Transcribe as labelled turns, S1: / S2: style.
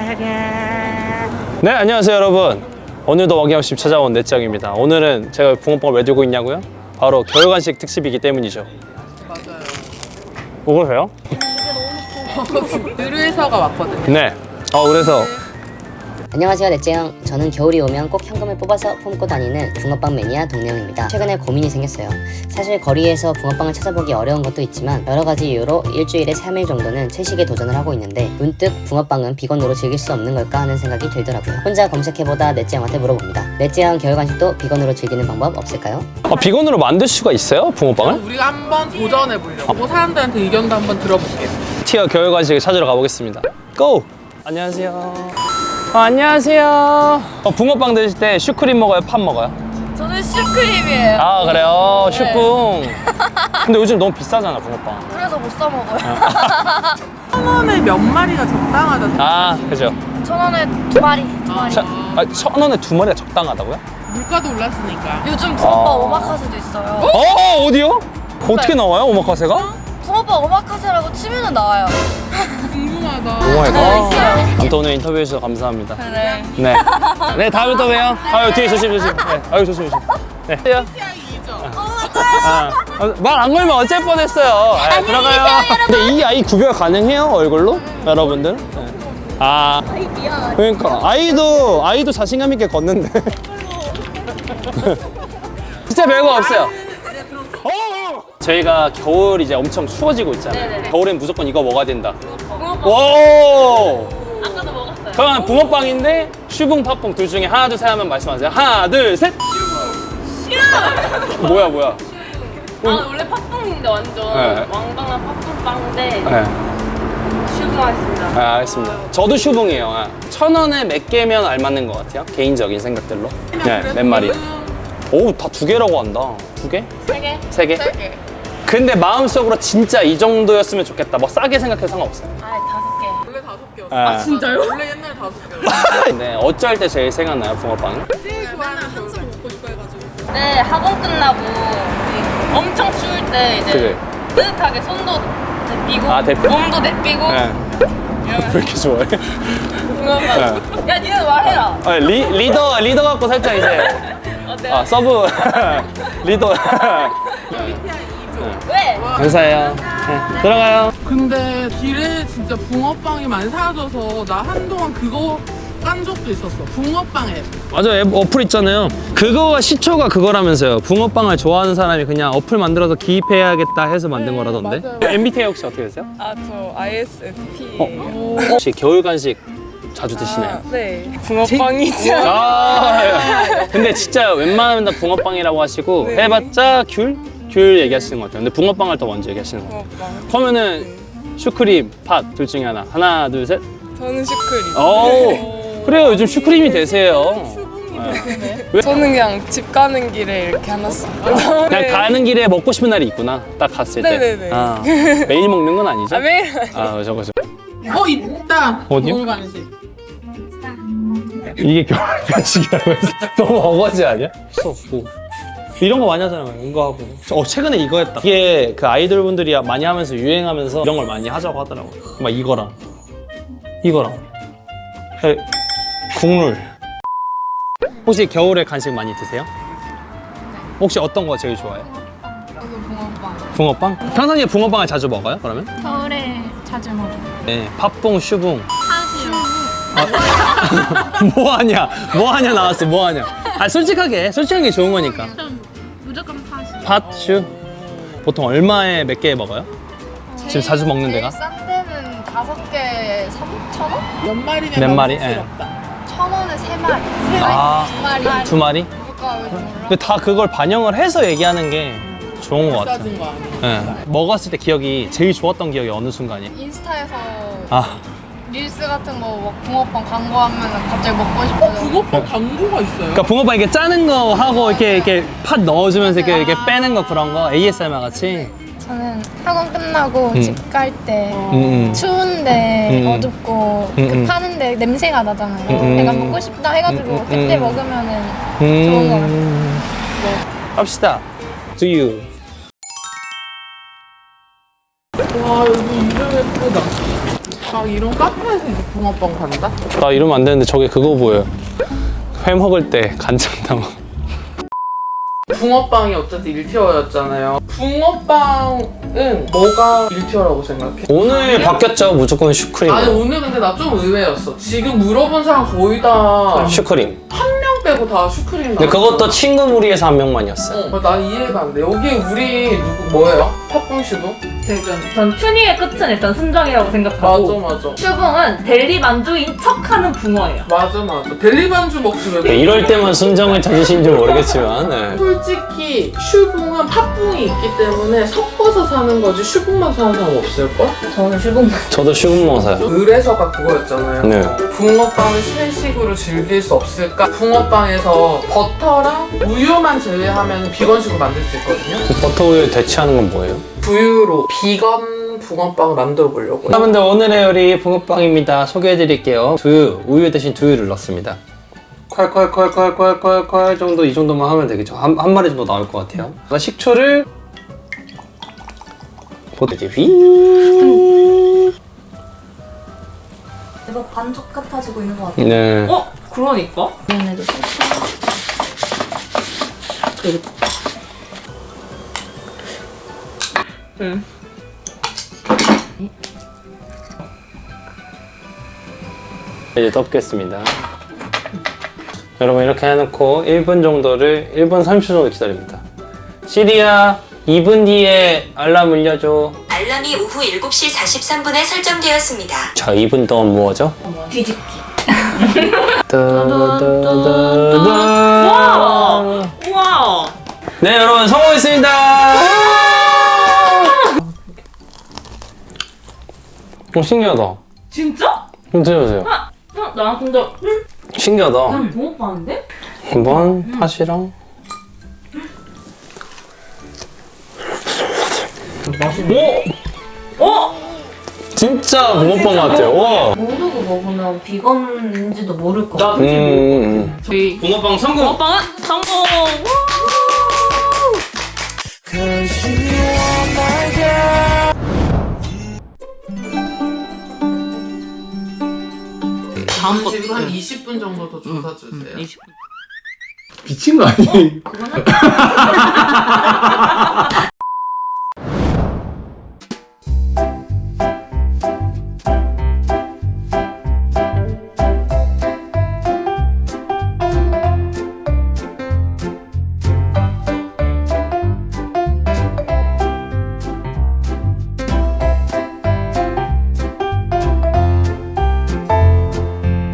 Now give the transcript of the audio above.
S1: 네, 안녕하세요 여러분. 오늘도 어김없이 찾아온 넷짱입니다. 오늘은 제가 붕어빵을 왜 들고 있냐고요? 바로 겨울간식 특집이기 때문이죠.
S2: 맞아요.
S1: 뭐 그러세요?
S2: 느르에서가 왔거든요.
S1: 네. 그래서
S3: 안녕하세요 넷째형. 저는 겨울이 오면 꼭 현금을 뽑아서 품고 다니는 붕어빵 매니아 동네형입니다. 최근에 고민이 생겼어요. 사실 거리에서 붕어빵을 찾아보기 어려운 것도 있지만 여러가지 이유로 일주일에 3일 정도는 채식에 도전을 하고 있는데 문득 붕어빵은 비건으로 즐길 수 없는 걸까 하는 생각이 들더라고요. 혼자 검색해보다 넷째형한테 물어봅니다. 넷째형 겨울간식도 비건으로 즐기는 방법 없을까요?
S1: 비건으로 만들 수가 있어요? 붕어빵을?
S2: 우리가 한번 도전해보려고 사람들한테 의견도 한번 들어볼게요.
S1: 티어 겨울간식을 찾으러 가보겠습니다. 고! 안녕하세요. 안녕하세요. 붕어빵 드실 때 슈크림 먹어요? 팥 먹어요?
S4: 저는 슈크림이에요.
S1: 아 그래요?
S4: 네.
S1: 슈쿵. 근데 요즘 너무 비싸잖아 붕어빵.
S4: 그래서 못 사 먹어요.
S2: 1,000원에 몇 마리가 적당하다 생각해요.
S1: 아 그죠.
S4: 1,000원에 두 마리.
S1: 자, 1,000원에 2마리가 적당하다고요?
S2: 물가도 올랐으니까.
S4: 요즘 붕어빵 오마카세도 있어요.
S1: 어디요? 어떻게 나와요 오마카세가?
S4: 붕어빵 오마카세라고 치면은 나와요.
S2: 궁금하다.
S1: 오마이갓.
S4: 네, 있어요.
S1: 아무튼 오늘 인터뷰해 주셔서 감사합니다.
S4: 그래.
S1: 네. 네, 다음에 또 봬요. 아유, 뒤에 조심. 네. 아유, 조심. 네. 말 안 걸면 어쩔 뻔했어요. 네, 들어가요. 근데 이 아이 구별 가능해요? 얼굴로? 여러분들? 네. 아이 미안. 그러니까 아이도 자신감 있게 걷는데. 진짜 별거 없어요. 저희가 겨울 이제 엄청 추워지고 있잖아요.
S4: 네네네.
S1: 겨울엔 무조건 이거 먹어야 된다.
S4: 붕어빵.
S1: 오!
S4: 아까도 먹었어요.
S1: 그러면 붕어빵인데 슈붕 팥붕 둘 중에 하나 둘 셋 하면 말씀하세요. 하나 둘 셋. 슈붕. 뭐야?
S4: 아 원래 팥빵인데 완전
S1: 네.
S4: 왕방한 팥빵인데
S1: 네.
S4: 슈붕하겠습니다.
S1: 아, 알겠습니다. 저도 슈붕이에요. 1,000원에 몇 개면 알맞는 것 같아요. 개인적인 생각들로. 네, 몇 마리. 오, 다 2개라고 한다. 2개?
S4: 3개?
S1: 3개?
S4: 3개.
S1: 근데 마음속으로 진짜 이 정도였으면 좋겠다. 뭐 싸게 생각해도 상관없어요.
S4: 아 5개.
S2: 원래 5개였어.
S1: 진짜요?
S2: 원래 옛날에 5개였어.
S1: 네, 어쩔 때 제일 생각나요, 붕어빵이?
S2: 제일 좋아하는 한숨 먹고 싶어 해가지고.
S4: 네 학원 끝나고 엄청 추울 때 이제
S1: 그래.
S4: 뜨뜻하게 손도 내삐고
S1: 아, 대표.
S4: 몸도 내삐고
S1: 네. 왜 이렇게 좋아해?
S4: 붕어빵. 야 니는 말해라.
S1: 아, 리더 갖고 살짝 이제
S4: 어때요?
S1: 서브 리더.
S4: 왜?
S1: 감사해요. 네, 들어가요.
S2: 근데 길에 진짜 붕어빵이 많이 사라져서 나 한동안 그거 깐 적도 있었어. 붕어빵 앱.
S1: 맞아, 앱 어플 있잖아요. 그거가 시초가 그거라면서요. 붕어빵을 좋아하는 사람이 그냥 어플 만들어서 기입해야겠다 해서 만든 거라던데.
S2: 맞아요.
S1: MBTI 혹시 어떻게 되세요?
S5: 아, 저 ISFP예요.
S1: 혹시 겨울 간식 자주 드시나요?
S5: 네. 붕어빵이죠.
S1: 근데 진짜 웬만하면 다 붕어빵이라고 하시고
S5: 네.
S1: 해봤자 귤 얘기하시는 것 같아요. 근데 붕어빵을 더 먼저 얘기하시는 것 같아요.
S5: 붕어빵.
S1: 그러면은 슈크림, 팥 둘 중에 하나, 둘, 셋.
S5: 저는 슈크림.
S1: 오, 그래요. 요즘 슈크림이 대세예요. 왜?
S5: 저는 그냥 집 가는 길에 이렇게 하나씩.
S1: 그냥 가는 길에 먹고 싶은 날이 있구나. 딱 갔을 때.
S5: 네네네.
S1: 아, 매일 먹는 건 아니죠?
S5: 아, 매일.
S1: 그죠.
S2: 있다.
S1: 어디요?
S2: 겨울 간식.
S1: 이게 겨울 간식이라고 해서 너무 어거지 아니야? 없고. 이런 거 많이 하잖아요. 이거 하고. 최근에 이거 했다. 이게 그 아이돌 분들이 많이 하면서 유행하면서 이런 걸 많이 하자고 하더라고요. 막 이거랑 국룰. 혹시 겨울에 간식 많이 드세요? 혹시 어떤 거 제일 좋아해요? 붕어빵. 평상시에 붕어빵을 자주 먹어요? 그러면?
S4: 겨울에 자주 먹어요.
S1: 네. 팥붕, 슈붕. 뭐 하냐 나왔어. 뭐 하냐. 솔직하게 좋은 거니까.
S4: 무조건 팥이.
S1: 팥슈. 보통 얼마에 몇 개 먹어요? 지금 자주 먹는 데가?
S4: 싼 데는 5개 3,000원?
S2: 몇 마리냐?
S1: 몇 마리?
S2: 부끄럽다.
S4: 1,000원에 3마리.
S1: 아,
S4: 2마리.
S1: 2마리?
S4: 물가 왜 몰라?
S1: 근데 다 그걸 반영을 해서 얘기하는 게 좋은 것 같아요.
S2: 비싸진 거 아니야?
S1: 네. 먹었을 때 기억이 제일 좋았던 기억이 어느 순간이에요?
S4: 인스타에서
S1: 아,
S4: 릴스 같은 거 막 붕어빵 광고하면 갑자기 먹고 싶어져.
S2: 붕어빵 광고가 있어요?
S1: 그러니까 붕어빵 이렇게 짜는 거 하고 이렇게 팥 넣어주면서 이렇게 빼는 거 그런 거 ASMR 같이.
S6: 저는 학원 끝나고 집 갈 때
S1: 음.
S6: 추운데
S1: 음.
S6: 어둡고 그 파는데 냄새가 나잖아요. 내가 먹고 싶다 해가지고 그때 먹으면은 좋은 것 같아요.
S1: 합시다. Do you?
S2: 와 여기 이름 예쁘다. 아 이런 카페에서 이제 붕어빵 판다?
S1: 나 이러면 안 되는데 저게 그거 보여요. 회 먹을 때 간장 담아.
S2: 붕어빵이 어쨌든 1티어였잖아요. 붕어빵은 뭐가 1티어라고 생각해?
S1: 오늘 바뀌었죠. 무조건 슈크림.
S2: 아니 오늘 근데 나 좀 의외였어. 지금 물어본 사람 거의 다
S1: 슈크림.
S2: 한 명 빼고 다 슈크림
S1: 근데
S2: 나왔어.
S1: 그것도 친구 무리에서 한 명만이었어요.
S2: 난 이해가 안 돼. 여기 우리 누구 뭐예요? 팥붕씨도?
S7: 전 튜니의 끝은 일단 순정이라고 생각하고
S2: 맞아.
S7: 슈붕은 델리 만두인 척하는 붕어예요.
S2: 맞아. 델리반주 먹지 왜?
S1: 이럴 때만 순정을 찾으신지 모르겠지만 네.
S2: 솔직히 슈붕은 팥붕이 있기 때문에 섞어서 사는 거지 슈붕만 사는 사람 없을걸?
S7: 저는 슈붕
S1: 저도 슈금 먹어요.
S2: 의뢰서가 그거였잖아요.
S1: 네.
S2: 붕어빵을 신식으로 즐길 수 없을까? 붕어빵에서 버터랑 우유만 제외하면 비건식으로 만들 수 있거든요.
S1: 버터 우유 대체하는 건 뭐예요?
S2: 두유로 비건 붕어빵을 만들어 보려고요.
S1: 여러분들 오늘의 요리 붕어빵입니다. 소개해드릴게요. 두유, 우유 대신 두유를 넣습니다. 콸 정도 이 정도만 하면 되겠죠. 한 마리 정도 나올 것 같아요. 식초를 이제 휘.
S7: 이거 반죽 같아지고 있는 것 같아요.
S1: 네.
S7: 그러니까. 얘네도 응.
S1: 이제 덮겠습니다. 여러분 이렇게 해놓고 1분 정도를 1분 30초 정도 기다립니다. 시리야 2분 뒤에 알람 울려줘.
S8: 알람이 오후 7시 43분에 설정되었습니다.
S1: 자 2분 동안 뭐하죠?
S7: 뒤집기.
S1: 우와!
S7: 우와.
S1: 네 여러분 성공했습니다. 신기하다.
S7: 진짜?
S1: 좀 드셔보세요.
S7: 나 근데
S1: 신기하다.
S7: 난 붕어빵인데?
S1: 한번 팥이랑
S7: 어?
S1: 진짜 붕어빵 같아요. 와.
S7: 모르고 먹으면 비건인지도 모를 것 같아.
S2: 저희
S1: 붕어빵 성공.
S7: 붕어빵은 성공.
S2: 다음 거 지금 한 20분 정도 더 조사 주세요. 20분.
S1: 미친 거 아니에요?